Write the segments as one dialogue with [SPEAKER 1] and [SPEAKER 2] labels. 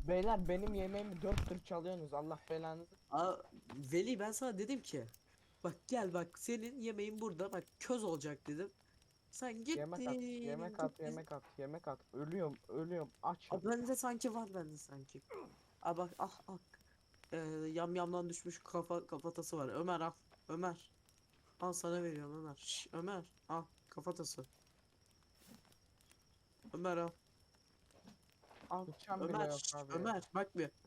[SPEAKER 1] Beyler benim yemeğimi 4 tır çalıyorsunuz. Allah belanızı.
[SPEAKER 2] Veli ben sana dedim ki bak gel bak senin yemeğin burada bak köz olacak dedim. Sen
[SPEAKER 1] Yemek at,
[SPEAKER 2] gittin
[SPEAKER 1] yemek at,
[SPEAKER 2] gittin.
[SPEAKER 1] yemek at, yemek at. Ölüyorum, ölüyorum. Açım.
[SPEAKER 2] Bende sanki var bende sanki. Bak yamyamdan düşmüş kafatası var. Ömer al. Ömer. Al sana veriyorum Ömer. Ömer al kafatası. Ömer al. Al.
[SPEAKER 1] Bıçağım bile
[SPEAKER 2] Ömer
[SPEAKER 1] yok abi ya.
[SPEAKER 2] Ömer bak bir.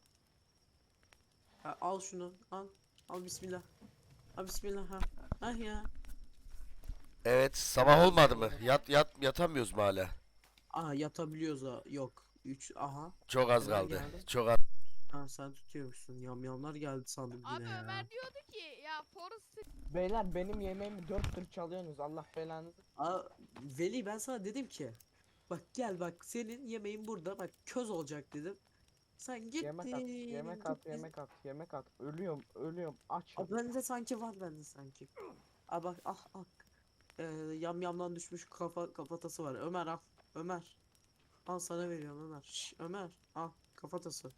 [SPEAKER 2] Al şunu al. Al bismillah. Al bismillah ha. Ah ya.
[SPEAKER 3] Evet, sabah olmadı mı? Yatamıyoruz mu hala?
[SPEAKER 2] Yatabiliyoruz ha. Yok. 3 aha.
[SPEAKER 3] Çok az
[SPEAKER 2] Neler
[SPEAKER 3] kaldı.
[SPEAKER 2] geldi?
[SPEAKER 3] Çok az.
[SPEAKER 2] Sen tutuyormuşsun. Yamyamlar geldi sandım
[SPEAKER 4] Abi
[SPEAKER 2] yine ya.
[SPEAKER 4] Ömer diyordu ki ya Forrest
[SPEAKER 1] Beyler benim yemeğimi 4 tır çalıyorsunuz. Allah belanızı.
[SPEAKER 2] Veli ben sana dedim ki bak gel bak senin yemeğin burada bak köz olacak dedim. Sen
[SPEAKER 1] Yemek at, yemek at,
[SPEAKER 2] gittin.
[SPEAKER 1] yemek at, yemek at. Ölüyorum, ölüyorum. Açım.
[SPEAKER 2] Bende sanki var bende sanki. Bak yamyamdan düşmüş kafatası var. Ömer al. Ömer. Al sana veriyorum Ömer. Ömer al kafatası.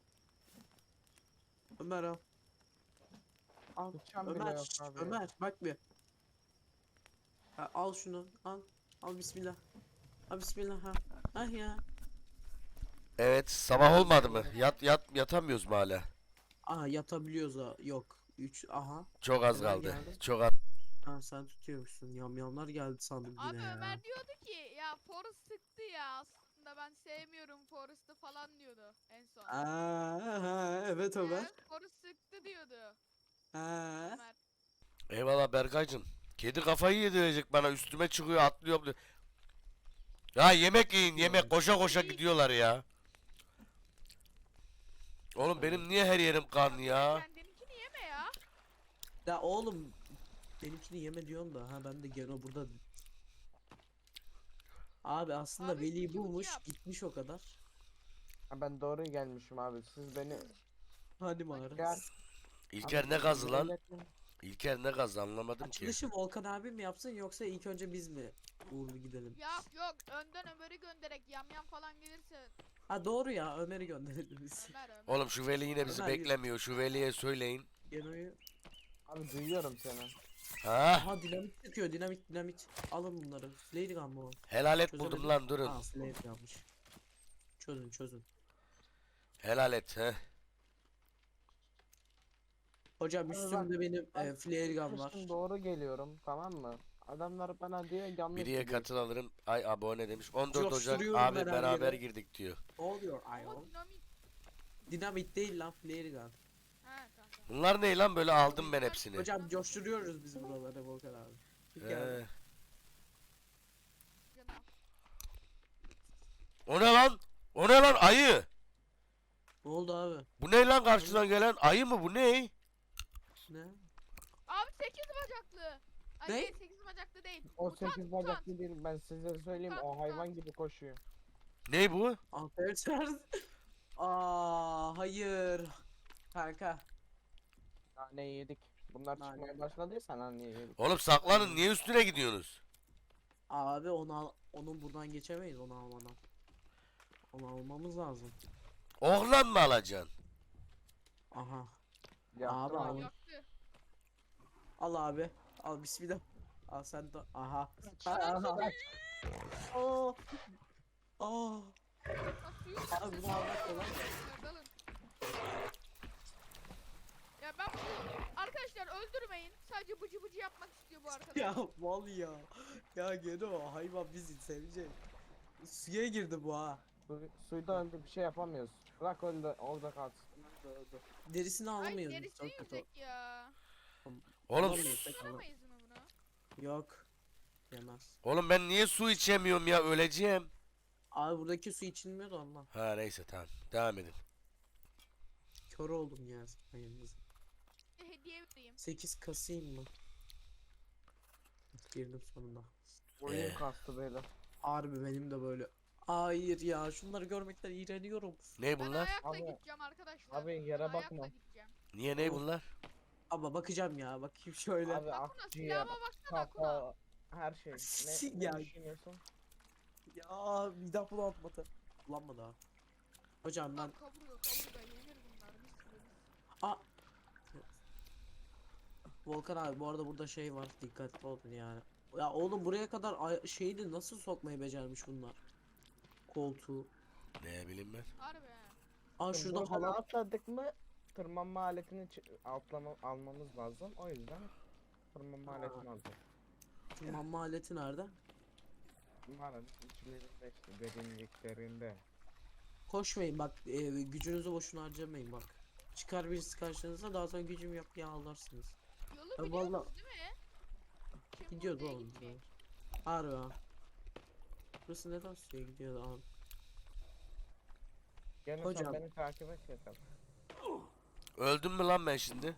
[SPEAKER 2] Ömer al. Al.
[SPEAKER 1] Bıçağım bile
[SPEAKER 2] Ömer.
[SPEAKER 1] yok abi ya.
[SPEAKER 2] Ömer bak bir. Al şunu al. Al bismillah. Al bismillah ha. Ah ya.
[SPEAKER 3] Evet, sabah olmadı mı? Yatamıyoruz mu hala?
[SPEAKER 2] Yatabiliyoruz ha. Yok. 3 aha.
[SPEAKER 3] Çok az
[SPEAKER 2] Neler
[SPEAKER 3] kaldı.
[SPEAKER 2] geldi?
[SPEAKER 3] Çok az.
[SPEAKER 2] Sen tutuyormuşsun. Yamyamlar geldi sandım
[SPEAKER 4] abi
[SPEAKER 2] yine ya.
[SPEAKER 4] Ömer diyordu ki ya Forrest sıktı ya aslında ben sevmiyorum Forrest'ı falan diyordu en son.
[SPEAKER 2] Evet Ömer.
[SPEAKER 4] Forrest sıktı diyordu
[SPEAKER 2] Ha.
[SPEAKER 4] Ömer.
[SPEAKER 3] Eyvallah Berkaycığım. Kedi kafayı yedirecek bana. Üstüme çıkıyor, atlıyor. Ya yemek yiyin, yemek. Koşa koşa gidiyorlar ya. Oğlum benim niye her yerim kan ya?
[SPEAKER 4] Kendininkini yeme ya.
[SPEAKER 2] Ya oğlum benimkini yeme diyorsun da ben de gene burada. Abi aslında
[SPEAKER 4] Abi,
[SPEAKER 2] Veli
[SPEAKER 4] iki buçuk
[SPEAKER 2] bulmuş
[SPEAKER 4] yap.
[SPEAKER 2] gitmiş o kadar.
[SPEAKER 1] Ha, ben doğru gelmişim abi. Siz beni
[SPEAKER 2] Hadi mağara.
[SPEAKER 1] gel.
[SPEAKER 3] İlker ne gazı lan? İlker ne gazı anlamadım ki.
[SPEAKER 2] Açılışı Volkan abi mi yapsın yoksa ilk önce biz mi uğurlu gidelim?
[SPEAKER 4] Ya yok önden Ömer'i göndererek yamyam falan gelirse
[SPEAKER 2] Doğru ya Ömer'i gönderelim biz.
[SPEAKER 4] Ömer.
[SPEAKER 3] Oğlum şu Veli yine bizi
[SPEAKER 2] Ömer,
[SPEAKER 3] beklemiyor. Şu Veli'ye söyleyin.
[SPEAKER 2] Geno'yu.
[SPEAKER 1] Abi duyuyorum seni.
[SPEAKER 3] Ha?
[SPEAKER 2] Dinamit çıkıyor dinamit. Alın bunları. Lady Gun mu o?
[SPEAKER 3] Helal et
[SPEAKER 2] Çözemedim.
[SPEAKER 3] buldum lan durun.
[SPEAKER 2] Slave yanlış. Çözün.
[SPEAKER 3] Helal et he.
[SPEAKER 2] Hocam
[SPEAKER 1] Abi
[SPEAKER 2] üstümde benim
[SPEAKER 1] ben
[SPEAKER 2] flare gun var.
[SPEAKER 1] çıkmışım, doğru geliyorum, tamam mı? Adamlar bana diyor yanlış
[SPEAKER 3] Biriye
[SPEAKER 1] gidiyor.
[SPEAKER 3] katıl alırım. Ay abone demiş. 14 Ocak
[SPEAKER 2] Coşturuyorum
[SPEAKER 3] abi
[SPEAKER 2] ben her
[SPEAKER 3] beraber
[SPEAKER 2] yere.
[SPEAKER 3] girdik diyor.
[SPEAKER 2] Ne oluyor
[SPEAKER 4] Ama
[SPEAKER 2] ayol?
[SPEAKER 4] dinamit.
[SPEAKER 2] Dinamit değil lan flare gun.
[SPEAKER 4] Tamam.
[SPEAKER 3] Bunlar ne lan böyle aldım ben hepsini.
[SPEAKER 2] Hocam coşturuyoruz biz buraları Volkan abi.
[SPEAKER 3] He.
[SPEAKER 4] Canım.
[SPEAKER 3] O ne lan? O ne lan ayı?
[SPEAKER 2] Ne oldu abi?
[SPEAKER 3] Bu ne lan karşıdan gelen ayı mı bu ne?
[SPEAKER 2] Ne?
[SPEAKER 4] Abi 8 bacaklı. Ay
[SPEAKER 2] Ne?
[SPEAKER 4] değil 8 bacaklı değil.
[SPEAKER 1] O
[SPEAKER 4] Mutant,
[SPEAKER 1] 8
[SPEAKER 4] mutant.
[SPEAKER 1] bacaklı değil, ben size söyleyeyim, o
[SPEAKER 4] Mutant,
[SPEAKER 1] hayvan
[SPEAKER 4] mutant.
[SPEAKER 1] gibi koşuyor.
[SPEAKER 3] Ne bu?
[SPEAKER 2] Arkadaşlar. Hayır. Kanka.
[SPEAKER 1] Nane yedik. Bunlar
[SPEAKER 2] Nane.
[SPEAKER 1] çıkmaya başladıysa nane yedik.
[SPEAKER 3] Oğlum saklanın niye üstüne gidiyorsunuz?
[SPEAKER 2] Abi onu buradan geçemeyiz onu almadan. Onu almamız lazım.
[SPEAKER 3] Oğlan mı alacaksın?
[SPEAKER 2] Aha.
[SPEAKER 1] Yaptım
[SPEAKER 2] Abi,
[SPEAKER 1] abi.
[SPEAKER 4] Yaktı.
[SPEAKER 2] Al abi. Al bismillah. Al sen de. Aha.
[SPEAKER 1] Aha.
[SPEAKER 2] Oh. Oh.
[SPEAKER 4] Ha, suyu
[SPEAKER 2] Abi bunu almak kolay.
[SPEAKER 4] dalın. Ya ben arkadaşlar öldürmeyin. Sadece bıcı bıcı yapmak istiyor bu arkadaş.
[SPEAKER 2] Ya mal ya. Ya Geno hayvan bizi sevecek. Suya girdi bu ha.
[SPEAKER 1] Suyda öldü, bir şey yapamıyoruz. Bırak öldü, orada kalsın.
[SPEAKER 2] Derisini
[SPEAKER 4] Ay
[SPEAKER 2] alamıyoruz.
[SPEAKER 4] derisi
[SPEAKER 2] Çok kötü.
[SPEAKER 4] yüzek ya.
[SPEAKER 3] Oğlum
[SPEAKER 2] Alamıyoruz, tek alam-
[SPEAKER 4] Alamayız mı bunu?
[SPEAKER 2] Yok. Yemez.
[SPEAKER 3] oğlum ben niye su içemiyorum ya öleceğim.
[SPEAKER 2] Abi buradaki su içilmiyor da ondan.
[SPEAKER 3] Ha neyse tamam devam edin.
[SPEAKER 2] Kör oldum ya. Hayırlısı.
[SPEAKER 4] Hediye vereyim.
[SPEAKER 2] 8 kasayım mı? Girdim sonunda.
[SPEAKER 1] Oyun kastı böyle.
[SPEAKER 2] Harbi benim de böyle. Hayır ya şunları görmekten iğreniyorum.
[SPEAKER 3] Ne
[SPEAKER 4] Ben
[SPEAKER 3] bunlar?
[SPEAKER 4] ayakla
[SPEAKER 1] Abi-
[SPEAKER 4] gideceğim arkadaşlar.
[SPEAKER 1] abi yere
[SPEAKER 4] Ben
[SPEAKER 1] bakma.
[SPEAKER 4] ayakla gideceğim.
[SPEAKER 3] Niye ne
[SPEAKER 2] Of.
[SPEAKER 3] bunlar?
[SPEAKER 2] Ama bakacağım ya bakayım şöyle.
[SPEAKER 1] Abi
[SPEAKER 4] Bakuna
[SPEAKER 1] akciğer,
[SPEAKER 4] silahıma baksana Akuna.
[SPEAKER 1] kafa, her şey. Ne
[SPEAKER 2] Ya.
[SPEAKER 1] düşünüyorsun?
[SPEAKER 2] Ya midem bulanmadı. Bulanmadı ha. Hocam ben
[SPEAKER 4] Kaburga yenir bunlar mis gibi mis.
[SPEAKER 2] a Volkan abi bu arada burada şey var, dikkatli olun yani. Ya oğlum buraya kadar şeyini nasıl sokmayı becermiş bunlar? Koltuğu.
[SPEAKER 3] Ne bileyim ben.
[SPEAKER 4] Harbi he.
[SPEAKER 2] Aa
[SPEAKER 1] Şimdi
[SPEAKER 2] şurada
[SPEAKER 1] buradan
[SPEAKER 2] halat.
[SPEAKER 1] atladık mı tırmanma aletini almamız lazım. O yüzden tırmanma aletini alacağız.
[SPEAKER 2] Mamma aleti nerede?
[SPEAKER 1] Bunların içlerinde işte derinliklerinde.
[SPEAKER 2] Koşmayın bak, gücünüzü boşuna harcamayın bak. Çıkar birisi karşınıza, daha sonra gücüm yok diye ağlarsınız.
[SPEAKER 4] Yolu
[SPEAKER 2] Ya
[SPEAKER 4] biliyorsunuz
[SPEAKER 2] vallahi-
[SPEAKER 4] değil mi? Kim
[SPEAKER 2] Gidiyordu
[SPEAKER 4] oraya
[SPEAKER 2] oğlum.
[SPEAKER 4] gitmeyecek?
[SPEAKER 2] Harbi ha. Burası neden suya gidiyordu abi?
[SPEAKER 1] Gene
[SPEAKER 2] Hocam.
[SPEAKER 1] sen beni takip et yeter.
[SPEAKER 3] Öldüm mü lan ben şimdi?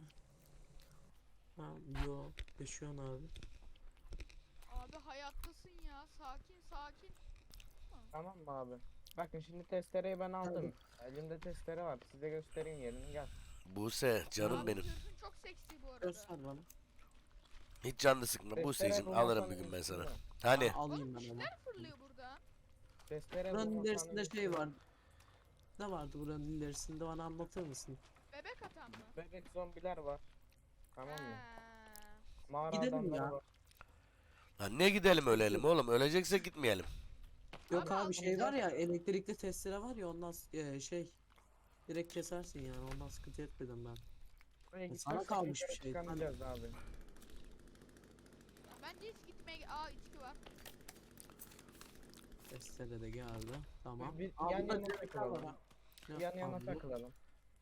[SPEAKER 2] Ha yo, yaşıyorsun abi.
[SPEAKER 4] Abi hayattasın ya. Sakin sakin.
[SPEAKER 1] Tamam mı abi? Bakın şimdi testereyi ben aldım. Elimde testere var. Size göstereyim yerini gel.
[SPEAKER 3] Buse canım
[SPEAKER 4] Abi
[SPEAKER 3] benim.
[SPEAKER 4] zırhın çok seksi bu arada.
[SPEAKER 2] Göster bana.
[SPEAKER 3] Hiç canını sıkma
[SPEAKER 1] Testere
[SPEAKER 3] Buse'cim,
[SPEAKER 1] bu
[SPEAKER 3] alırım
[SPEAKER 1] masanın
[SPEAKER 3] bir gün ben sana.
[SPEAKER 1] üstünde.
[SPEAKER 3] Hani?
[SPEAKER 2] Alayım
[SPEAKER 4] Oğlum
[SPEAKER 2] ben
[SPEAKER 4] bir
[SPEAKER 2] onu.
[SPEAKER 4] şeyler fırlıyor burada.
[SPEAKER 1] Testere bu
[SPEAKER 2] Buranın
[SPEAKER 1] masanın
[SPEAKER 2] ilerisinde şey
[SPEAKER 1] üstünde.
[SPEAKER 2] var. Ne vardı buranın ilerisinde, bana anlatır mısın?
[SPEAKER 4] Bebek atan mı?
[SPEAKER 1] Bebek zombiler var. Tamam mı?
[SPEAKER 4] Ha.
[SPEAKER 1] Mağara
[SPEAKER 2] Gidelim
[SPEAKER 1] adamları
[SPEAKER 2] ya.
[SPEAKER 1] var.
[SPEAKER 3] Lan ne gidelim ölelim oğlum, öleceksek gitmeyelim.
[SPEAKER 2] Yok
[SPEAKER 4] Abi
[SPEAKER 2] abi şey var
[SPEAKER 1] almayacağız.
[SPEAKER 2] ya, elektrikli testere var ya, ondan şey direkt kesersin yani, ondan sıkıntı etmedim ben.
[SPEAKER 1] Buraya
[SPEAKER 2] Sana
[SPEAKER 1] gitmezsek
[SPEAKER 2] kalmış
[SPEAKER 1] yukarı
[SPEAKER 2] bir şey,
[SPEAKER 1] çıkamayacağız abi.
[SPEAKER 4] Bence hiç gitmeye... Aa içki var.
[SPEAKER 2] Testere de geldi. Tamam.
[SPEAKER 1] Bir
[SPEAKER 2] Aa,
[SPEAKER 1] yan
[SPEAKER 2] burada
[SPEAKER 1] yana
[SPEAKER 2] direkler var
[SPEAKER 1] takılalım.
[SPEAKER 2] ha.
[SPEAKER 1] Yan yana
[SPEAKER 2] Abi,
[SPEAKER 1] takılalım.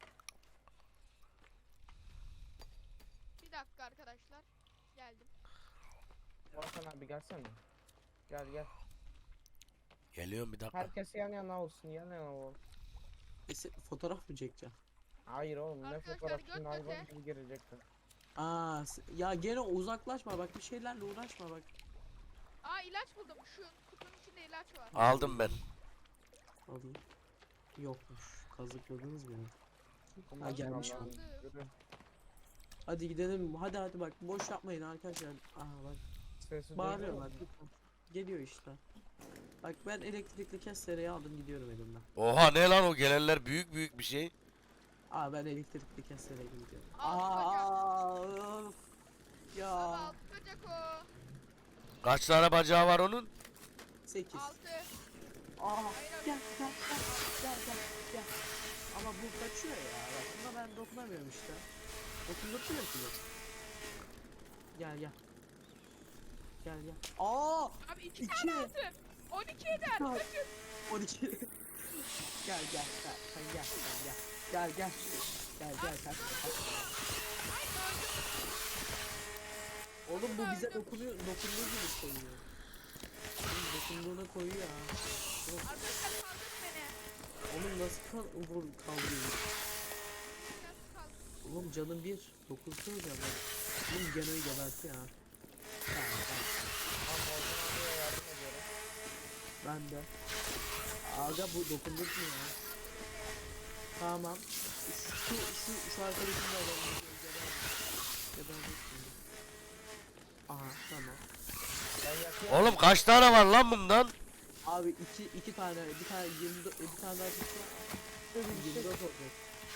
[SPEAKER 4] Bir dakika arkadaşlar. Geldim.
[SPEAKER 1] Volkan abi gelsene. Gel gel.
[SPEAKER 3] Geliyorum bir dakika.
[SPEAKER 1] Herkes yan yana olsun, yan yana ol.
[SPEAKER 2] fotoğraf mı çekeceğim?
[SPEAKER 1] Hayır oğlum, ne
[SPEAKER 4] Arkadaşlar,
[SPEAKER 1] fotoğrafçının
[SPEAKER 4] göt
[SPEAKER 1] hayvan
[SPEAKER 4] göte.
[SPEAKER 1] gibi girecekler.
[SPEAKER 2] Aa ya gene uzaklaşma bak, bir şeylerle uğraşma bak.
[SPEAKER 4] Aa ilaç buldum. Şu kutunun içinde ilaç var.
[SPEAKER 3] Aldım ben.
[SPEAKER 2] Alayım. Yokmuş. Kazıkladınız beni.
[SPEAKER 1] Bunlar
[SPEAKER 2] gelmiş
[SPEAKER 1] Allah'ım,
[SPEAKER 4] mi?
[SPEAKER 1] yürü.
[SPEAKER 2] Hadi gidelim. Hadi bak, boş yapmayın arkadaşlar. Aha bak.
[SPEAKER 1] Sesi
[SPEAKER 2] Bağırıyorlar.
[SPEAKER 1] duydun mu?
[SPEAKER 2] Geliyor işte. Bak ben elektrikli kestereyi aldım, gidiyorum elimden.
[SPEAKER 3] Oha ne lan o gelenler, büyük büyük bir şey.
[SPEAKER 2] Aa ben elektrikli kestereye gidiyorum.
[SPEAKER 4] Aa,
[SPEAKER 2] Öf. Ya.
[SPEAKER 4] Abi altı bacak o.
[SPEAKER 3] Kaç tane bacağı var onun?
[SPEAKER 2] 8.
[SPEAKER 4] 6.
[SPEAKER 2] Aa
[SPEAKER 4] Hayır abi.
[SPEAKER 2] gel. Ama bu kaçıyor ya. Bak buna ben dokunamıyorum işte. Dokundurtuyor ki bu. Gel. Gel. Aa!
[SPEAKER 4] Abi 2
[SPEAKER 2] İki.
[SPEAKER 4] tane altı. 12 eder.
[SPEAKER 2] Kaç.
[SPEAKER 4] Kaçın.
[SPEAKER 2] 12. Gel. Sen gel. Gel. Kaç.
[SPEAKER 4] Ay gördüm.
[SPEAKER 2] Oğlum bu bize dokunduğu gibi koyuyor. Oğlum dokunduğuna koyuyor ha.
[SPEAKER 4] Arkadaşlar kaldır beni.
[SPEAKER 2] Oğlum nasıl kaldırıyor?
[SPEAKER 4] Nasıl kaldır?
[SPEAKER 2] Oğlum canım bir. Dokunsana canım. Oğlum gene geberti ha. Tamam.
[SPEAKER 1] Tamam, Volkan abiye yardım ediyorum.
[SPEAKER 2] Ben de. Aga bu dokundurtmuyor ya. Tamam. Şu arkadaşım da alalım. Geberdi şimdi. Aha tamam.
[SPEAKER 1] Ben yakıyorum.
[SPEAKER 3] Oğlum kaç tane var lan bundan?
[SPEAKER 2] Abi iki tane, bir tane 24, bir tane daha çıksa 24 olacak.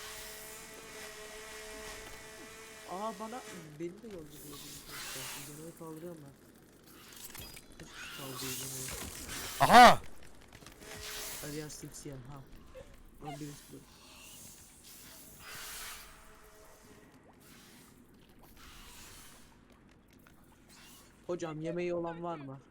[SPEAKER 2] Aa beni de yolcu. Genel kaldırıyorum ben. Kaldırıyorum.
[SPEAKER 3] Aha!
[SPEAKER 2] Hadi ya simsiyah ha. Lan birisi dur. Hocam yemeği olan var mı?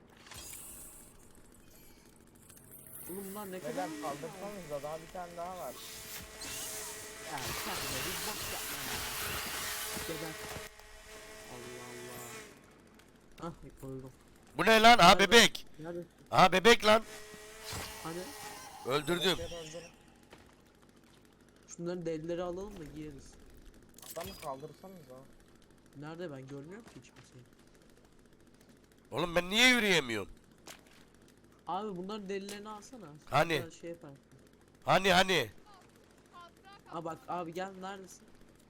[SPEAKER 2] Oğlum bunlar ne kadar
[SPEAKER 1] Neden kaldırsanız da daha bir tane daha var.
[SPEAKER 2] ya sen de bir bok yapma ya. Geber. Allah Allah. Ah koydum.
[SPEAKER 3] Bu ne lan? Ha bebek.
[SPEAKER 2] Nerede?
[SPEAKER 3] Ha bebek lan.
[SPEAKER 2] Hani
[SPEAKER 3] Öldürdüm.
[SPEAKER 1] Bebekleri öldürün.
[SPEAKER 2] şunların delileri alalım da giyeriz.
[SPEAKER 1] Adamı kaldırsanız da.
[SPEAKER 2] Nerede, ben görmüyorum ki hiç kimseyi.
[SPEAKER 3] Oğlum ben niye yürüyemiyorum?
[SPEAKER 2] Abi bunların delilerini alsana.
[SPEAKER 3] Hani?
[SPEAKER 2] Sonra şey yapar.
[SPEAKER 3] Hani?
[SPEAKER 4] Hatıra
[SPEAKER 2] Ha bak abi gel, neredesin?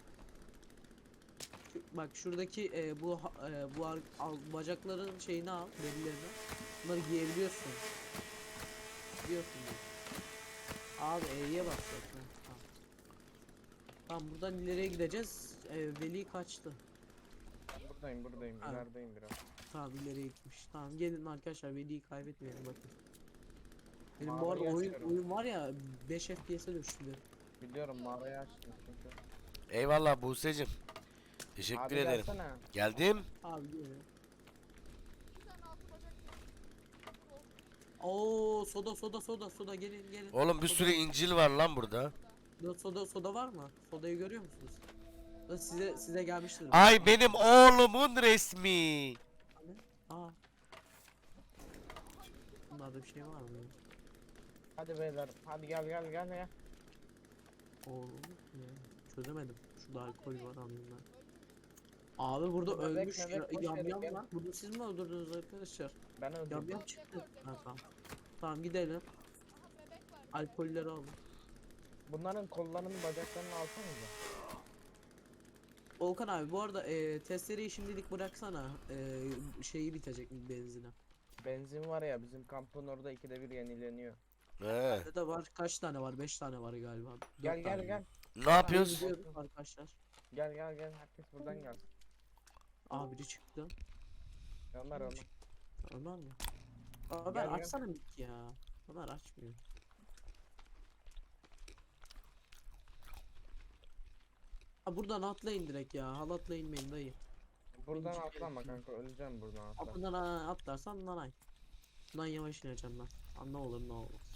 [SPEAKER 2] Bak şuradaki bacakların şeyini al, delilerini. Bunları giyebiliyorsun. Biliyorsun bunu. Abi E'ye basacak. Tamam. Tamam buradan ileriye gideceğiz. Veli kaçtı.
[SPEAKER 1] Ben buradayım.
[SPEAKER 2] Abi.
[SPEAKER 1] İlerideyim biraz.
[SPEAKER 2] Tamam ileriye gitmiş. Tamam gelin arkadaşlar Veli'yi kaybetmeyelim bakın. Benim bu
[SPEAKER 1] Mağarayı
[SPEAKER 2] arada
[SPEAKER 1] açıyorum.
[SPEAKER 2] oyun var ya 5 FPS'e düştü.
[SPEAKER 1] Biliyorum mağarayı açtım çünkü.
[SPEAKER 3] Eyvallah Buse'cim. Teşekkür
[SPEAKER 1] Abi
[SPEAKER 3] ederim.
[SPEAKER 1] gelsene.
[SPEAKER 3] Geldim.
[SPEAKER 2] Abi geliyor.
[SPEAKER 4] Bir tane altı bacak var.
[SPEAKER 2] Oo soda gelin.
[SPEAKER 3] Oğlum bir
[SPEAKER 2] Soda-
[SPEAKER 3] sürü incil var lan burada.
[SPEAKER 2] Soda var mı? Sodayı görüyor musunuz? Da size gelmiştir.
[SPEAKER 3] Ay benim oğlumun resmi.
[SPEAKER 2] Aa. Bunlarda bir şey var mı?
[SPEAKER 1] Hadi beyler. Hadi gel.
[SPEAKER 2] Oğlum ya. Çözemedim. Şurada alkol var anlamda. Abi burada
[SPEAKER 1] Bebek,
[SPEAKER 2] ölmüş
[SPEAKER 1] bebek, boş
[SPEAKER 2] yam
[SPEAKER 1] verin,
[SPEAKER 2] yam
[SPEAKER 1] gel.
[SPEAKER 2] var. Bunu siz mi öldürdünüz arkadaşlar?
[SPEAKER 1] Ben
[SPEAKER 2] Yam
[SPEAKER 1] öldüm.
[SPEAKER 2] yam çıktı. Ha, tamam. Tamam gidelim.
[SPEAKER 4] Aha bebek var.
[SPEAKER 2] Alkolleri alın.
[SPEAKER 1] Bunların kollarını bacaklarını alsanıza.
[SPEAKER 2] Volkan abi bu arada testereyi şimdilik bıraksana. Şeyi bitecek benzine.
[SPEAKER 1] Benzin var ya bizim kampın orada 2'de 1 yenileniyor.
[SPEAKER 3] He.
[SPEAKER 2] Bende de var kaç tane var? 5 tane var galiba.
[SPEAKER 1] Gel
[SPEAKER 2] Dört
[SPEAKER 1] gel
[SPEAKER 2] tane
[SPEAKER 1] gel.
[SPEAKER 2] var.
[SPEAKER 3] Ne yapıyoruz?
[SPEAKER 2] Gidiyoruz arkadaşlar.
[SPEAKER 1] Gel. Herkes buradan gelsin.
[SPEAKER 2] Aa biri çıktı.
[SPEAKER 1] Ömer.
[SPEAKER 2] Ömer mi? Ömer
[SPEAKER 1] Gel.
[SPEAKER 2] açsana mic ya. Ömer açmıyor. Ha buradan atlayın direkt ya. Halatla inmeyin dayı.
[SPEAKER 1] Buradan
[SPEAKER 2] İnci
[SPEAKER 1] atlama
[SPEAKER 2] gelsin.
[SPEAKER 1] kanka öleceğim buradan atla.
[SPEAKER 2] Buradan atlarsan nanay. Bundan yavaş ineceğim ben. Ha, ne olur ne olmaz.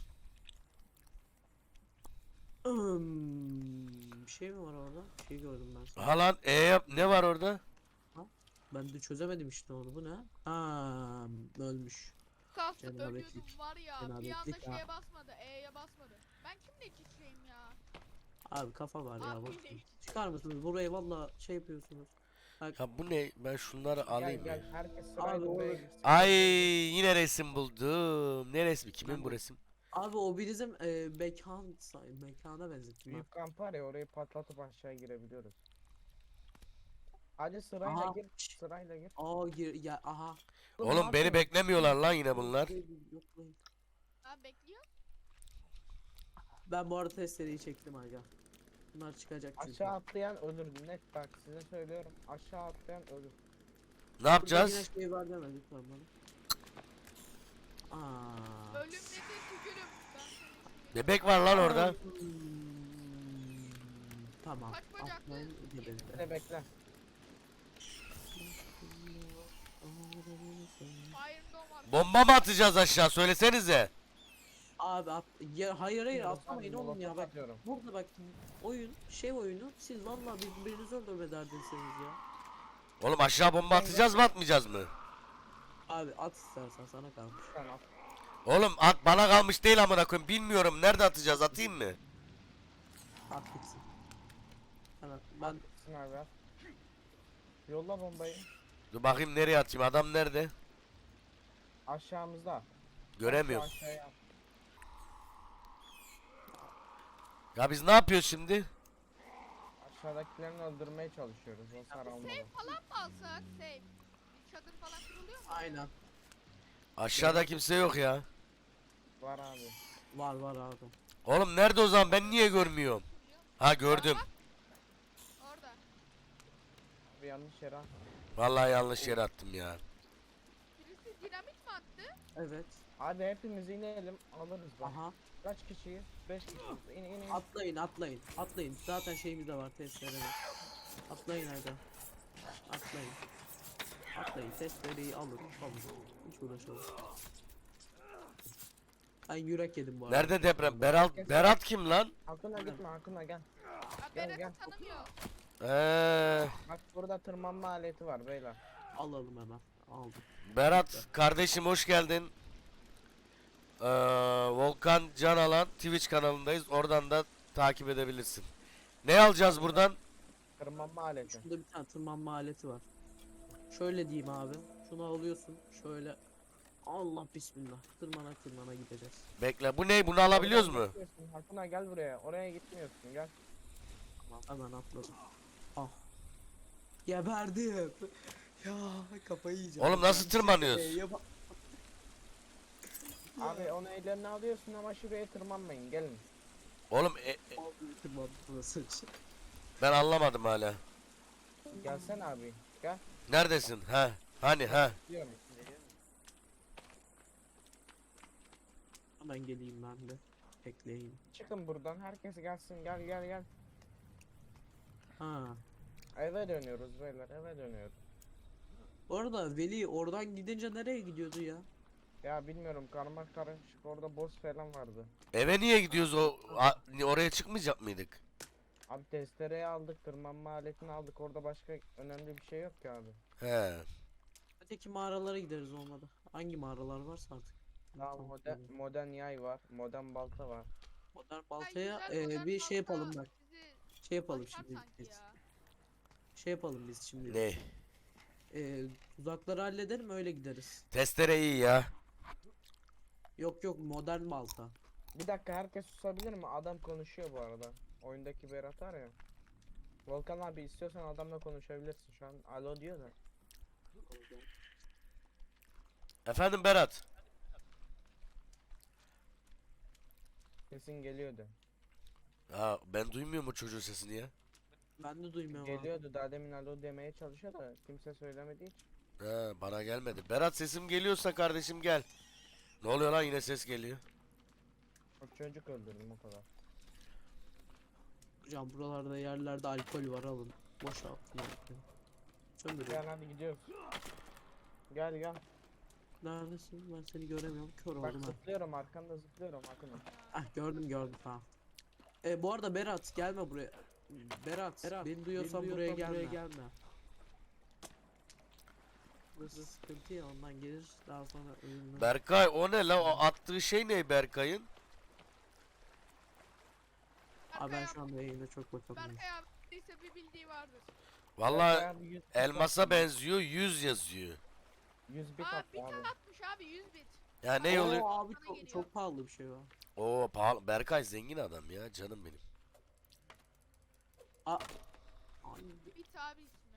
[SPEAKER 2] Bir şey mi var orada? Bir şey gördüm ben sana.
[SPEAKER 3] Ha lan ne var orada?
[SPEAKER 2] Ben de çözemedim işte onu. Bu ne? Ha ölmüş.
[SPEAKER 4] Kalktı
[SPEAKER 2] Cenabetlik.
[SPEAKER 4] ölüyordum var ya. Bir anda
[SPEAKER 2] Cenabetlik ha.
[SPEAKER 4] şeye basmadı. E'ye basmadı. Ben kimle iç içeyim ya?
[SPEAKER 2] Abi kafa var ya
[SPEAKER 4] Abi
[SPEAKER 2] bak.
[SPEAKER 4] ne?
[SPEAKER 2] Çıkar mısınız? Burayı valla şey yapıyorsunuz.
[SPEAKER 3] Ya bu ne? Ben şunları alayım ya.
[SPEAKER 1] Gel. Herkes
[SPEAKER 2] Abi
[SPEAKER 1] sırayla
[SPEAKER 2] olur.
[SPEAKER 1] buraya girsin.
[SPEAKER 3] Ay yine resim buldum. Ne resmi? Kimin bu resim?
[SPEAKER 2] Abi o bizim mekana benzettim.
[SPEAKER 1] Büyük kamp var ya orayı patlatıp aşağı girebiliyoruz. Hadi sırayla
[SPEAKER 2] Aha.
[SPEAKER 1] gir. Sırayla gir.
[SPEAKER 2] Aa ya aha.
[SPEAKER 3] Oğlum beni beklemiyorlar lan yine bunlar.
[SPEAKER 2] Yoklayın.
[SPEAKER 4] Ha bekliyor.
[SPEAKER 2] Ben bu arada testereyi çektim aga. Bunlar çıkacak çünkü.
[SPEAKER 1] Aşağı atlayan ölür. Net bak size söylüyorum. Aşağı atlayan ölür.
[SPEAKER 3] Ne
[SPEAKER 2] Burada
[SPEAKER 3] yapacağız?
[SPEAKER 2] yine şey var deme lütfen bana. Aa.
[SPEAKER 4] Ölüm nedir tükürüm. Ben seni
[SPEAKER 3] Bebek var lan orada.
[SPEAKER 2] Tamam.
[SPEAKER 4] Kaç bacaklı?
[SPEAKER 2] Atlayın gidelim.
[SPEAKER 1] Bekle bekle.
[SPEAKER 4] Fire Dome var.
[SPEAKER 3] Bomba mı atacağız aşağı? Söylesenize.
[SPEAKER 2] Abi hayır
[SPEAKER 1] Molotof
[SPEAKER 2] atlamayın oğlum ya
[SPEAKER 1] molotof
[SPEAKER 2] bak.
[SPEAKER 1] atıyorum.
[SPEAKER 2] Burada bak oyunu siz vallahi birbirinizi öldürmederdiniz ya.
[SPEAKER 3] Oğlum aşağı bomba atacağız mı atmayacağız mı?
[SPEAKER 2] Abi at istersen sana kalmış.
[SPEAKER 1] Sen at.
[SPEAKER 3] Oğlum at bana kalmış değil amına koyayım. Bilmiyorum nerede atacağız atayım mı?
[SPEAKER 2] At gitsin. Ben
[SPEAKER 1] Gitsin abi at. Yolla bombayı.
[SPEAKER 3] Dur bakayım nereye atayım adam nerede?
[SPEAKER 1] Aşağımızda.
[SPEAKER 3] Göremiyorum.
[SPEAKER 1] Aşağıya at.
[SPEAKER 3] Ya biz ne yapıyoruz şimdi?
[SPEAKER 1] Aşağıdakilerini öldürmeye çalışıyoruz. O sarılmadı.
[SPEAKER 4] Save falan mı alsak? Save. Bir çadır falan kuruluyor mu?
[SPEAKER 2] aynen.
[SPEAKER 3] Aşağıda kimse yok ya.
[SPEAKER 1] Var abi.
[SPEAKER 2] Var abi.
[SPEAKER 3] Oğlum nerede o zaman ben niye görmüyorum? Ha gördüm.
[SPEAKER 4] Orada.
[SPEAKER 1] Abi yanlış yere at.
[SPEAKER 3] Vallahi yanlış yere attım ya.
[SPEAKER 4] Birisi dinamit mi attı?
[SPEAKER 2] Evet.
[SPEAKER 1] Hadi hepimiz inelim alırız bak.
[SPEAKER 2] Aha.
[SPEAKER 1] Kaç kişiyiz? 5 kişiyiz. İn.
[SPEAKER 2] Atlayın. Zaten şeyimiz de var testleri. Atlayın hadi. Atlayın. Testleri alın. Hiç uğraşalım. Ben yürek yedim bu arada.
[SPEAKER 3] Nerede deprem? Berat kim lan?
[SPEAKER 1] Akına gitme Akına gel.
[SPEAKER 4] Ha
[SPEAKER 1] Gel,
[SPEAKER 4] Berat'ı
[SPEAKER 1] gel.
[SPEAKER 4] tanımıyor.
[SPEAKER 1] Bak burada tırmanma aleti var beyler.
[SPEAKER 2] Alalım hemen. Aldım.
[SPEAKER 3] Berat kardeşim hoş geldin. Volkan Can Alan Twitch kanalındayız. Oradan da takip edebilirsin. Ne alacağız buradan?
[SPEAKER 1] Tırmanma aleti.
[SPEAKER 2] Şurada bir tane tırmanma aleti var. Şöyle diyeyim abi. Şunu alıyorsun. Şöyle. Allah bismillah. Tırmana gideceğiz.
[SPEAKER 3] Bekle. Bu ne? Bunu alabiliyoruz mu?
[SPEAKER 1] Akına gel buraya. Oraya gitmiyorsun gel.
[SPEAKER 2] Tamam hemen atladım. Ah. Geberdim. Ya kafayı yiyeceğim.
[SPEAKER 3] Oğlum nasıl tırmanıyoruz?
[SPEAKER 1] Abi onu ellerine alıyorsun ama şuraya tırmanmayın gelin.
[SPEAKER 3] Oğlum
[SPEAKER 2] Tırmandı burası.
[SPEAKER 3] ben anlamadım hala.
[SPEAKER 1] Gelsene abi. Gel.
[SPEAKER 3] Neredesin? Ha? Hani ha?
[SPEAKER 1] Diyorum.
[SPEAKER 2] Hemen geleyim ben de. Ekleyin.
[SPEAKER 1] Çıkın buradan. Herkes gelsin. Gel gel gel.
[SPEAKER 2] Ha.
[SPEAKER 1] Eve dönüyoruz beyler. Eve dönüyoruz.
[SPEAKER 2] Bu arada Veli oradan gidince nereye gidiyordu ya?
[SPEAKER 1] Ya bilmiyorum, karma karışık, orada boss falan vardı.
[SPEAKER 3] Eve niye gidiyoruz oraya çıkmayacak mıydık?
[SPEAKER 1] Abi testereyi aldık, tırmanma aletini aldık, orada başka önemli bir şey yok ki abi.
[SPEAKER 3] He.
[SPEAKER 2] Öteki mağaralara gideriz olmadı. Hangi mağaralar varsa artık.
[SPEAKER 1] Daha
[SPEAKER 2] Tamam,
[SPEAKER 1] modern yay var, modern balta var.
[SPEAKER 2] Modern
[SPEAKER 4] Ay,
[SPEAKER 2] baltaya
[SPEAKER 4] güzel modern
[SPEAKER 2] bir şey
[SPEAKER 4] balta
[SPEAKER 2] yapalım bak.
[SPEAKER 4] bizi
[SPEAKER 2] Şey yapalım
[SPEAKER 4] başar
[SPEAKER 2] şimdi
[SPEAKER 4] sanki
[SPEAKER 2] biz.
[SPEAKER 4] ya.
[SPEAKER 2] Şey yapalım biz şimdi.
[SPEAKER 3] Ne?
[SPEAKER 2] Tuzakları halledelim öyle gideriz.
[SPEAKER 3] Testere iyi ya.
[SPEAKER 2] Yok yok modern balta.
[SPEAKER 1] Bir dakika, herkes susabilir mi? Adam konuşuyor bu arada. Oyundaki Berat var ya. Volkan abi, istiyorsan adamla konuşabilirsin şu an. Alo diyor da.
[SPEAKER 3] Efendim Berat.
[SPEAKER 1] Sesin geliyordu.
[SPEAKER 3] Ha ben duymuyor mu çocuğun sesini ya?
[SPEAKER 2] Ben de duymuyorum abi.
[SPEAKER 1] Geliyordu, daha demin alo demeye çalışıyor da kimse söylemediği için.
[SPEAKER 3] Ha bana gelmedi. Berat sesim geliyorsa kardeşim gel. Ne oluyor lan yine ses geliyor.
[SPEAKER 1] O çocuk öldürdüm, o kadar.
[SPEAKER 2] Hocam buralarda yerlerde alkol var alın. Boşaltın. Söndürüyorum.
[SPEAKER 1] Gel hadi gidiyoruz. Gel gel.
[SPEAKER 2] Neredesin? Ben seni göremiyorum. Kör
[SPEAKER 1] Bak
[SPEAKER 2] oldum ha.
[SPEAKER 1] zıplıyorum, arkanda zıplıyorum Akın'ım.
[SPEAKER 2] Ah gördüm tamam. Bu arada Berat gelme buraya. Berat, beni duyuyorsan buraya gelme. Burası sıkıntı ya ondan gelir daha sonra ölümden.
[SPEAKER 3] Berkay o ne la? O attığı şey ne Berkay'ın?
[SPEAKER 2] Abi ben
[SPEAKER 4] Berkay
[SPEAKER 2] şu anda yayında çok
[SPEAKER 4] abi,
[SPEAKER 2] bakamıyorum.
[SPEAKER 4] Berkay abi ise bir bildiği vardır.
[SPEAKER 3] Vallahi
[SPEAKER 1] Berkay abi 100 bit
[SPEAKER 3] elmasa
[SPEAKER 1] attı.
[SPEAKER 3] benziyor 100 yazıyor.
[SPEAKER 1] 100 bit
[SPEAKER 4] Aa
[SPEAKER 1] attı
[SPEAKER 4] bit
[SPEAKER 1] abi.
[SPEAKER 4] atmış abi 100 bit.
[SPEAKER 3] Ya ne oluyor?
[SPEAKER 2] Oo, abi
[SPEAKER 4] Bana
[SPEAKER 2] çok,
[SPEAKER 4] geliyor.
[SPEAKER 2] çok pahalı bir şey var.
[SPEAKER 3] Oo pahalı. Berkay zengin adam ya canım benim.
[SPEAKER 2] Ay,
[SPEAKER 4] Bit abi ismi.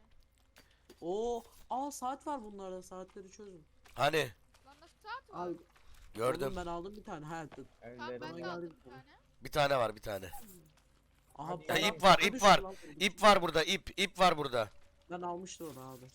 [SPEAKER 2] saat var bunlarda saatleri çözün.
[SPEAKER 3] Hani
[SPEAKER 4] Lan nasıl saat var?
[SPEAKER 2] Abi
[SPEAKER 3] gördüm.
[SPEAKER 2] oğlum ben aldım bir tane.
[SPEAKER 4] Tamam
[SPEAKER 1] Ellerim
[SPEAKER 4] ben de
[SPEAKER 2] geldi
[SPEAKER 4] aldım
[SPEAKER 2] bir
[SPEAKER 4] bir
[SPEAKER 2] tane.
[SPEAKER 4] tane.
[SPEAKER 3] Bir tane var bir tane.
[SPEAKER 2] Aha
[SPEAKER 1] Hadi
[SPEAKER 2] bana-
[SPEAKER 1] ya,
[SPEAKER 3] ip var,
[SPEAKER 2] bana
[SPEAKER 3] ip
[SPEAKER 2] düştü
[SPEAKER 3] var.
[SPEAKER 2] lan.
[SPEAKER 3] İp var burada ip var burada.
[SPEAKER 2] Ben almıştım onu abi.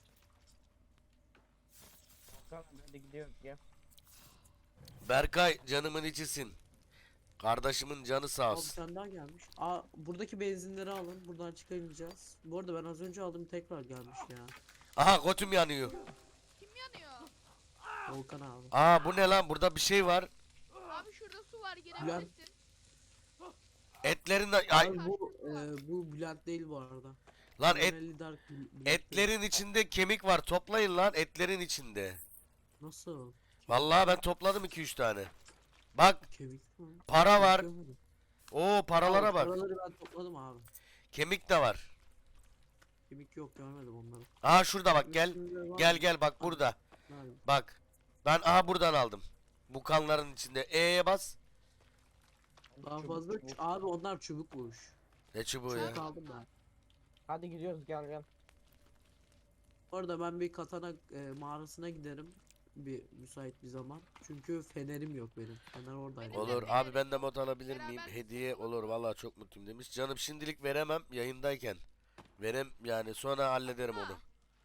[SPEAKER 1] Tamam hadi gidiyoruz, gel.
[SPEAKER 3] Berkay canımın içisin. Kardeşimin canı sağ
[SPEAKER 2] Abi bir
[SPEAKER 3] olsun.
[SPEAKER 2] tane daha gelmiş. Buradaki benzinleri alın. Buradan çıkamayacağız. Bu arada ben az önce aldım tekrar gelmiş ya.
[SPEAKER 3] Aha götüm yanıyor.
[SPEAKER 4] Kim yanıyor?
[SPEAKER 2] Volkan abi.
[SPEAKER 3] Bu ne lan burada bir şey var.
[SPEAKER 4] Abi şurada su var girebilirsin.
[SPEAKER 3] Etlerin ay
[SPEAKER 2] Abi bu Bülent değil bu arada.
[SPEAKER 3] lan
[SPEAKER 2] Tonelli Dark Bülent değil.
[SPEAKER 3] etlerin içinde kemik var. Toplayın lan etlerin içinde.
[SPEAKER 2] Nasıl?
[SPEAKER 3] Vallahi ben topladım 2-3 tane. Bak
[SPEAKER 2] Kemik mi?
[SPEAKER 3] para
[SPEAKER 2] Kemik
[SPEAKER 3] var.
[SPEAKER 2] görmedim.
[SPEAKER 3] Oo paralara
[SPEAKER 2] Abi,
[SPEAKER 3] bak.
[SPEAKER 2] Paraları ben topladım abi.
[SPEAKER 3] Kemik de var.
[SPEAKER 2] Kemik yok görmedim onları.
[SPEAKER 3] Aha şurada bak gel.
[SPEAKER 2] Üstünde var
[SPEAKER 3] Gel
[SPEAKER 2] mı?
[SPEAKER 3] gel bak burada.
[SPEAKER 2] Nerede?
[SPEAKER 3] Bak. Ben buradan aldım. Bu kanların içinde. E'ye bas.
[SPEAKER 2] Daha
[SPEAKER 1] Çubuk,
[SPEAKER 2] fazla
[SPEAKER 1] çubuk.
[SPEAKER 2] abi onlar çubukmuş.
[SPEAKER 3] Ne çubuğu ya?
[SPEAKER 2] Çubuk aldım ben.
[SPEAKER 1] Hadi gidiyoruz, gel gel.
[SPEAKER 2] Orada ben bir katana mağarasına giderim. Bir müsait bir zaman. Çünkü fenerim yok benim. Fener oradaydı.
[SPEAKER 4] Benim
[SPEAKER 3] Olur
[SPEAKER 4] de
[SPEAKER 3] abi ben de mod alabilir miyim?
[SPEAKER 4] Beraber
[SPEAKER 3] Hediye olur vallahi çok mutluyum demiş. Canım şimdilik veremem yayındayken. Yani sonra hallederim onu.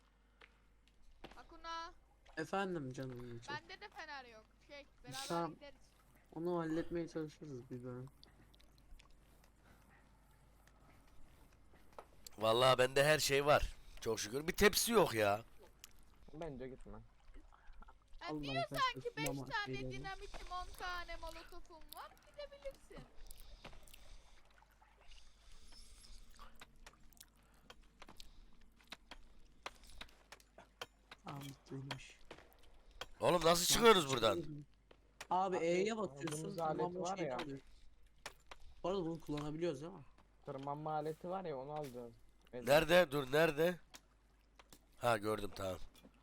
[SPEAKER 4] Akuna
[SPEAKER 2] Efendim canım için.
[SPEAKER 4] bende de fener yok. Beraber
[SPEAKER 2] Tamam.
[SPEAKER 4] gideriz.
[SPEAKER 2] Onu halletmeye çalışırız bir bölüm.
[SPEAKER 3] Vallahi bende her şey var. Çok şükür. Bir tepsi yok ya.
[SPEAKER 1] Bence gitme.
[SPEAKER 4] Yani
[SPEAKER 2] Allah
[SPEAKER 4] diyor
[SPEAKER 2] affetsin,
[SPEAKER 4] sanki 5
[SPEAKER 2] ama
[SPEAKER 4] tane
[SPEAKER 2] şeyleri.
[SPEAKER 4] dinamitim 10 tane molotofum var gidebilirsin.
[SPEAKER 2] Tamam bittiymiş.
[SPEAKER 3] Oğlum nasıl çıkıyoruz buradan?
[SPEAKER 2] Abi
[SPEAKER 1] Abi,
[SPEAKER 2] E'ye
[SPEAKER 1] aldığımız
[SPEAKER 2] basıyorsun.
[SPEAKER 1] alet
[SPEAKER 2] Tırmanma
[SPEAKER 1] var
[SPEAKER 2] şeyini
[SPEAKER 1] ya.
[SPEAKER 2] alıyor. Bu arada bunu kullanabiliyoruz değil mi?
[SPEAKER 1] Tırmanma aleti var ya, onu alacağız.
[SPEAKER 3] Nerede? Dur nerede? Ha gördüm tamam.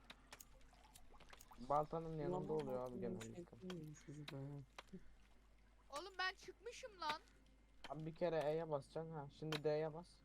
[SPEAKER 1] Baltanın yanında oluyor abi
[SPEAKER 2] şey
[SPEAKER 1] genellikle.
[SPEAKER 4] Oğlum ben çıkmışım lan.
[SPEAKER 1] Abi bir kere E'ye basacaksın, ha. Şimdi D'ye bas.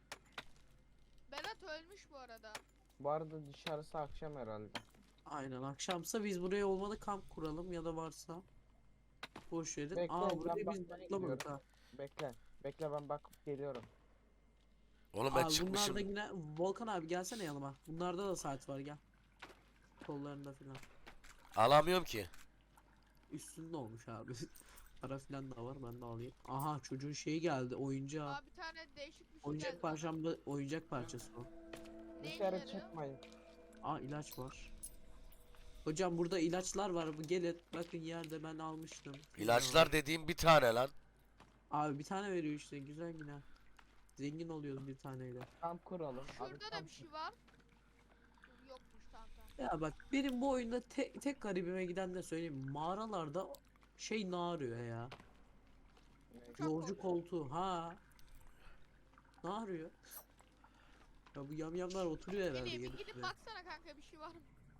[SPEAKER 4] Berat ölmüş bu arada.
[SPEAKER 1] Bu arada dışarısı akşam herhalde.
[SPEAKER 2] Aynen akşamsa biz buraya olmadı kamp kuralım ya da varsa boş verin.
[SPEAKER 1] Bekle,
[SPEAKER 2] Aa
[SPEAKER 1] ben
[SPEAKER 2] buraya biz
[SPEAKER 1] bakmaya
[SPEAKER 2] atlamadık
[SPEAKER 1] gidiyorum.
[SPEAKER 2] ha.
[SPEAKER 1] Bekle. Bekle ben bakıp geliyorum.
[SPEAKER 3] Oğlum ben
[SPEAKER 2] Abi
[SPEAKER 3] çıkmışım.
[SPEAKER 2] bunlarda yine Volkan abi gelsene yanıma. Bunlarda da saat var gel. Kollarında filan.
[SPEAKER 3] Alamıyorum ki.
[SPEAKER 2] Üstünde olmuş abi. Para filan da var ben de alayım. Aha çocuğun şeyi geldi oyuncağı.
[SPEAKER 4] Aa bir tane değişik bir şey
[SPEAKER 2] Oyuncak
[SPEAKER 4] geldi bana.
[SPEAKER 2] parçamda oyuncak parçası o.
[SPEAKER 4] Ne işe
[SPEAKER 1] Dışarı
[SPEAKER 4] yarıyor?
[SPEAKER 1] çıkmayın.
[SPEAKER 2] Aa ilaç var. Hocam burada ilaçlar var. Bu gelin. Bakın yerde ben almıştım.
[SPEAKER 3] İlaçlar dediğim bir tane lan.
[SPEAKER 2] Abi bir tane veriyor işte güzel yine. Zengin oluyoruz bir taneyle.
[SPEAKER 1] Kamp kuralım. Abi
[SPEAKER 4] Şurada da
[SPEAKER 1] kamp
[SPEAKER 4] bir şey var. Dur, yokmuş tamam tamam.
[SPEAKER 2] Ya bak benim bu oyunda tek garibime giden de söyleyeyim. Mağaralarda şey ne arıyor ya?
[SPEAKER 4] Uçak
[SPEAKER 2] Yolcu
[SPEAKER 4] koltuğu.
[SPEAKER 2] koltuğu ha. Ne arıyor? Ya bu yamyamlar oturuyor herhalde
[SPEAKER 4] Bir
[SPEAKER 2] gelip
[SPEAKER 4] gidip
[SPEAKER 2] buraya.
[SPEAKER 4] baksana kanka bir şey var mı?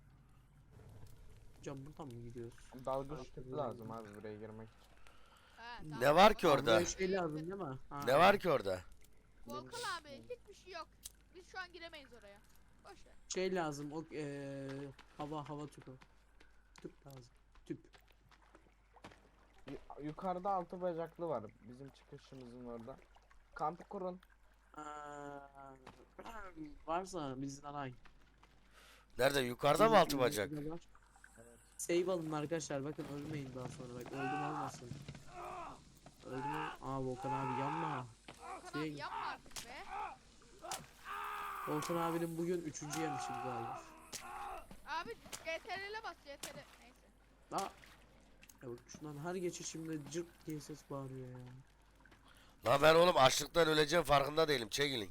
[SPEAKER 2] Hocam buradan mı gidiyoruz?
[SPEAKER 1] Dalgıç tüpü lazım abi buraya girmek.
[SPEAKER 4] He, tamam.
[SPEAKER 3] Ne var ki
[SPEAKER 2] Aa,
[SPEAKER 3] orada?
[SPEAKER 2] buraya şey lazım değil mi? Ha,
[SPEAKER 3] Ne var ki orada?
[SPEAKER 4] Volkan abi hiçbir şey yok. Biz şu an giremeyiz oraya. Boş ver.
[SPEAKER 2] şey lazım o hava tüpü. Tüp lazım. Tüp.
[SPEAKER 1] Yukarıda 6 bacaklı var. Bizim çıkışımızın orada. Kampı kurun.
[SPEAKER 2] Aa, varsa bizden ay.
[SPEAKER 3] Nerede? Yukarıda mı altı bacak?
[SPEAKER 2] Save alın arkadaşlar bakın ölmeyin daha sonra bak öldüm olmasın. Öldüm aa Volkan abi yanma.
[SPEAKER 4] Volkan abi yapma artık be.
[SPEAKER 2] Volkan abinin bugün 3. yemişim galiba.
[SPEAKER 4] Abi CTRL'e bas CTRL. Neyse.
[SPEAKER 2] Aa. Ya bak şundan her geçişimde cırt diye ses bağırıyor ya.
[SPEAKER 3] Lan ben oğlum açlıktan öleceğim farkında değilim. Çekilin.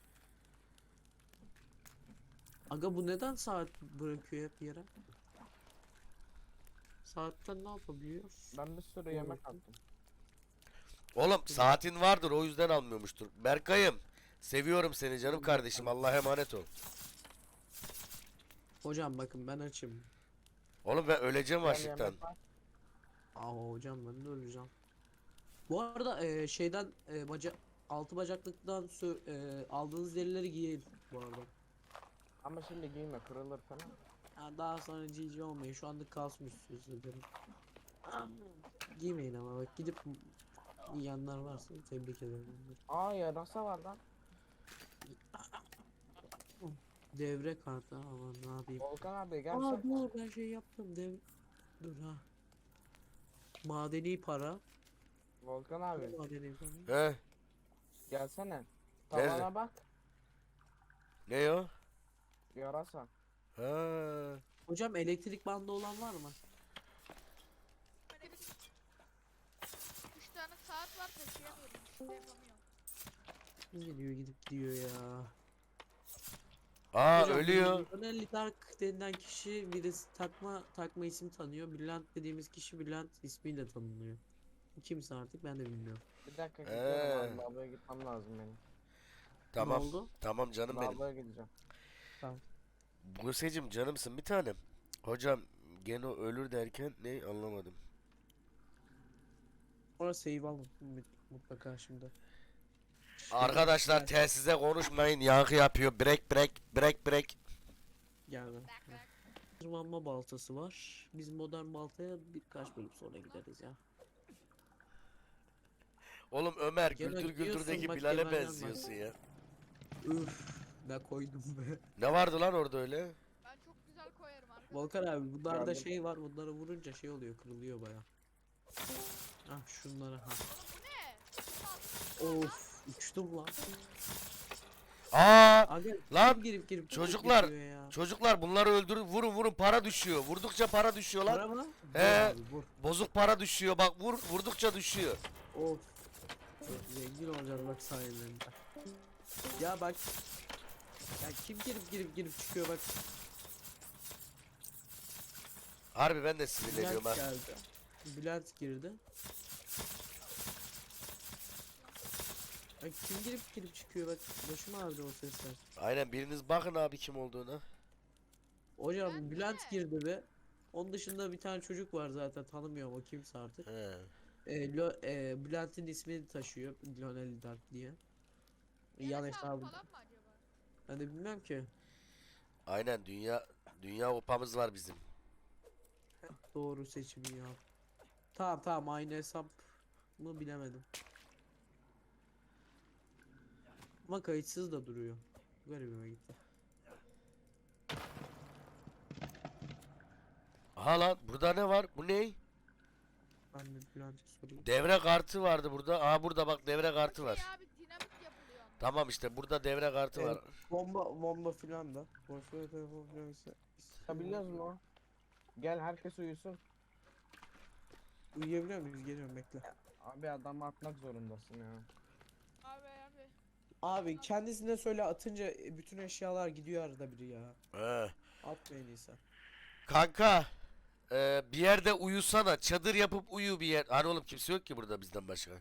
[SPEAKER 2] Aga bu neden saat bırakıyor hep yere? Saatten ne yapabiliyoruz?
[SPEAKER 1] Ben bir sürü yemek attım.
[SPEAKER 3] Oğlum saatin vardır o yüzden almıyormuştur. Berkay'ım. Seviyorum seni canım kardeşim. Allah'a emanet ol.
[SPEAKER 2] Hocam bakın ben açım.
[SPEAKER 3] Oğlum ben öleceğim
[SPEAKER 1] Gel
[SPEAKER 3] açlıktan.
[SPEAKER 1] yemek var.
[SPEAKER 2] Aa hocam ben de öleceğim. Bu arada şeyden altı bacaklıktan aldığınız derileri giyin bu arada.
[SPEAKER 1] Ama şimdi giyme kırılır falan.
[SPEAKER 2] Ha, daha sonra GG olmayın şu anlık kalsın üstünüzde derim. Giymeyin ama bak gidip giyenler varsa tebrik ederim onları.
[SPEAKER 1] Aa yarasa var lan.
[SPEAKER 2] Devre kartı aman ne yapayım.
[SPEAKER 1] Volkan abi
[SPEAKER 2] Aa
[SPEAKER 1] gelsene.
[SPEAKER 2] dur ben şey yaptım dur ha. Madeni para.
[SPEAKER 1] Volkan abi
[SPEAKER 2] Madeni para.
[SPEAKER 3] He?
[SPEAKER 1] gelsene.
[SPEAKER 3] Nerede?
[SPEAKER 1] Tavana bak.
[SPEAKER 3] Ne o?
[SPEAKER 1] Yarasa.
[SPEAKER 3] Ha.
[SPEAKER 2] Hocam elektrik bandı olan var mı?
[SPEAKER 4] 3 tane saat var taşıyamıyorum. İşte yapamıyorum.
[SPEAKER 2] Geliyor gidip gidiyor ya.
[SPEAKER 3] Aa
[SPEAKER 2] Hocam,
[SPEAKER 3] ölüyor.
[SPEAKER 2] Ronelli Dark denilen kişi birisi takma isim tanıyor. Brilliant dediğimiz kişi Brilliant ismiyle tanınıyor. Kimse artık ben de bilmiyorum.
[SPEAKER 1] Bir dakika gidiyorum abi.
[SPEAKER 3] He.
[SPEAKER 1] Lavaboya gitmem lazım benim.
[SPEAKER 3] Tamam.
[SPEAKER 2] Ne oldu?
[SPEAKER 3] Tamam canım benim.
[SPEAKER 1] Lavaboya gideceğim.
[SPEAKER 3] Buse'cim canımsın bir tanem. Hocam gene ölür derken ne anlamadım.
[SPEAKER 2] Orası save al mutlaka şimdi.
[SPEAKER 3] Arkadaşlar
[SPEAKER 2] Evet.
[SPEAKER 3] telsize konuşmayın yankı yapıyor. Break.
[SPEAKER 2] Gel ben.
[SPEAKER 4] Tak tak.
[SPEAKER 2] Tırmanma baltası var. Biz modern baltaya birkaç bölüm sonra gideriz ya.
[SPEAKER 3] Oğlum Ömer
[SPEAKER 2] Gene
[SPEAKER 3] Güldür
[SPEAKER 2] diyorsun,
[SPEAKER 3] Güldür'deki
[SPEAKER 2] bak
[SPEAKER 3] Bilal'e
[SPEAKER 2] Kemal'den
[SPEAKER 3] benziyorsun ya.
[SPEAKER 2] Üf ne koydum be.
[SPEAKER 3] Ne vardı lan orada öyle?
[SPEAKER 4] Ben çok güzel koyarım arkadaşlar.
[SPEAKER 2] Volkan abi bunlarda
[SPEAKER 1] Geldim.
[SPEAKER 2] şey var bunları vurunca şey oluyor kırılıyor baya. Ah şunlara ha.
[SPEAKER 4] Bu ne?
[SPEAKER 2] Of uçtum lan.
[SPEAKER 3] Aa
[SPEAKER 2] Aga
[SPEAKER 3] Lan,
[SPEAKER 2] girip
[SPEAKER 3] çocuklar,
[SPEAKER 2] geçiyor ya.
[SPEAKER 3] çocuklar bunları öldürün vurun para düşüyor. Vurdukça para düşüyor lan.
[SPEAKER 2] Para mı?
[SPEAKER 3] He.
[SPEAKER 2] Vur abi, vur.
[SPEAKER 3] Bozuk para düşüyor bak vurdukça düşüyor.
[SPEAKER 2] Of. Çok zengin olacağız bak sayende. Ya bak. Ya kim girip çıkıyor bak.
[SPEAKER 3] Harbi ben de sinirleniyorum
[SPEAKER 2] Bülent
[SPEAKER 3] ha.
[SPEAKER 2] geldi. Bülent girdi. Ay kim girip çıkıyor bak. Başım ağrıdı o sesler.
[SPEAKER 3] Aynen biriniz bakın abi kim olduğuna.
[SPEAKER 2] Hocam
[SPEAKER 4] Bülent
[SPEAKER 2] Bülent
[SPEAKER 4] mi?
[SPEAKER 2] girdi be. Onun dışında bir tane çocuk var zaten tanımıyorum o kimse artık.
[SPEAKER 3] He.
[SPEAKER 2] Bülent'in ismini taşıyor. Lionel Dark diye. Yan
[SPEAKER 4] Yarasa
[SPEAKER 2] hesabı.
[SPEAKER 4] falan mı acaba?
[SPEAKER 2] Ben de bilmem ki.
[SPEAKER 3] Aynen dünya kupamız var bizim.
[SPEAKER 2] Doğru seçimi ya. Tamam aynı hesap mı bilemedim. Ama kayıtsız da duruyor. Garibime gitti.
[SPEAKER 3] Aha lan burada ne var? Bu ne?
[SPEAKER 2] Ben de Bülent'e sorayım.
[SPEAKER 3] Devre kartı vardı burada. Aha burada bak devre kartı
[SPEAKER 4] Şey
[SPEAKER 3] var.
[SPEAKER 4] abi dinamit yapılıyor.
[SPEAKER 3] Tamam işte burada devre kartı var.
[SPEAKER 2] Bomba filan da. Boşver telefon filan ise.
[SPEAKER 1] Çıkabiliyoruz mu? Gel herkes uyusun.
[SPEAKER 2] Uyuyabiliyor muyuz? Geliyorum bekle.
[SPEAKER 1] Abi adamı atmak zorundasın ya.
[SPEAKER 4] Abi abi.
[SPEAKER 2] Abi kendisine söyle atınca bütün eşyalar gidiyor arada biri ya.
[SPEAKER 3] He.
[SPEAKER 2] Atma en iyisi.
[SPEAKER 3] Kanka bir yerde uyusana. Çadır yapıp uyu bir yer. Hani oğlum kimse yok ki burada bizden başka.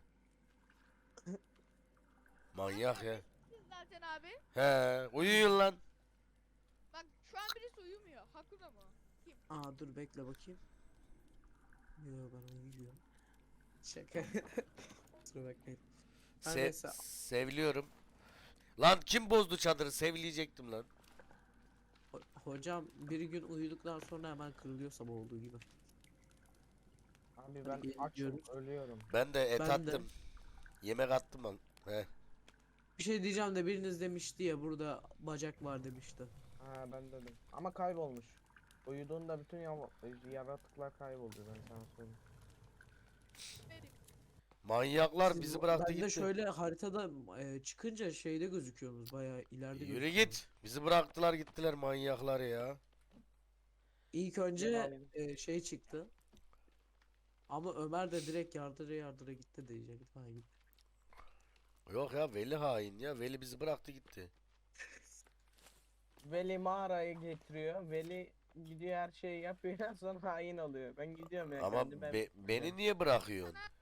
[SPEAKER 3] Manyak ya.
[SPEAKER 4] Siz zaten abi.
[SPEAKER 3] He, uyuyun lan.
[SPEAKER 4] Bak şu an birisi uyumuyor. Hakuna mı? Kim?
[SPEAKER 2] Aa dur bekle bakayım. Yo ben uyuyorum. Şaka. Kusura bakmayın. Her neyse.
[SPEAKER 3] Seviliyorum. Lan kim bozdu çadırı? Sevleyecektim lan.
[SPEAKER 2] Hocam bir gün uyuduktan sonra hemen kırılıyor sabah olduğu gibi.
[SPEAKER 1] Abi
[SPEAKER 2] Hadi
[SPEAKER 1] ben açım
[SPEAKER 2] geliyoruz.
[SPEAKER 1] ölüyorum.
[SPEAKER 3] Ben de et
[SPEAKER 2] Ben de.
[SPEAKER 3] attım. Yemek attım lan. He.
[SPEAKER 2] Bir şey diyeceğim de biriniz demişti ya burada bacak var demişti.
[SPEAKER 1] Ha ben dedim. Ama kaybolmuş. Uyuduğunda bütün yaratıklar kayboldu ben sana söyleyeyim.
[SPEAKER 4] Benim.
[SPEAKER 3] Manyaklar
[SPEAKER 2] Siz
[SPEAKER 3] bizi
[SPEAKER 2] bu-
[SPEAKER 3] bıraktı
[SPEAKER 2] ben de
[SPEAKER 3] gitti.
[SPEAKER 2] şöyle haritada çıkınca şeyde gözüküyorsunuz bayağı ileride
[SPEAKER 3] Yürü
[SPEAKER 2] gözüküyorsunuz.
[SPEAKER 3] git. Bizi bıraktılar gittiler manyaklar ya.
[SPEAKER 2] İlk önce
[SPEAKER 1] Yalan.
[SPEAKER 2] şey çıktı. Ama Ömer de direkt yardıra gitti diyecek. Ha, gitti.
[SPEAKER 3] Yok ya Veli hain ya. Veli bizi bıraktı gitti.
[SPEAKER 1] Veli mağarayı getiriyor. Veli gidiyor her şeyi yapıyor sonra hain oluyor. Ben gidiyorum ya
[SPEAKER 3] Ama
[SPEAKER 1] kendi ben.
[SPEAKER 3] beni niye bırakıyorsun?
[SPEAKER 4] Sana